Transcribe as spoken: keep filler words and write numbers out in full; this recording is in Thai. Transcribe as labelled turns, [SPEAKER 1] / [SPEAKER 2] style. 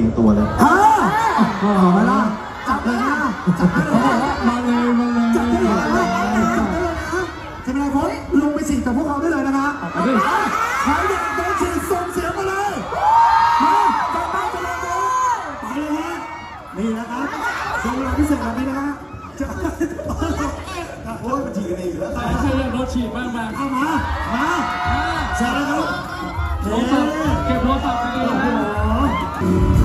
[SPEAKER 1] งตัวเลย
[SPEAKER 2] ฮะโอ้โหมาละจับเลยนะจับได้เลยมาเลยมาเลยจับได้เลยนะจับได้เลยนะจะเป็นไรพจน์ลงไปฉีดกับพวกเขาได้เลยนะคะใครอยากโดนฉีดส่งเสียงมาเลยมาจับมาจะลงเลยไปเลยฮะนี่นะครับช่วงเวลาพิเศษแบบนี้นะฮะจะโอ้ยมันฉีดกันเองอยู่แล้วใครใครอยากโดนฉีดบ้างมาเข้ามามาใช่แล้วครับเก็บโทรศัพท์กันเลยนะ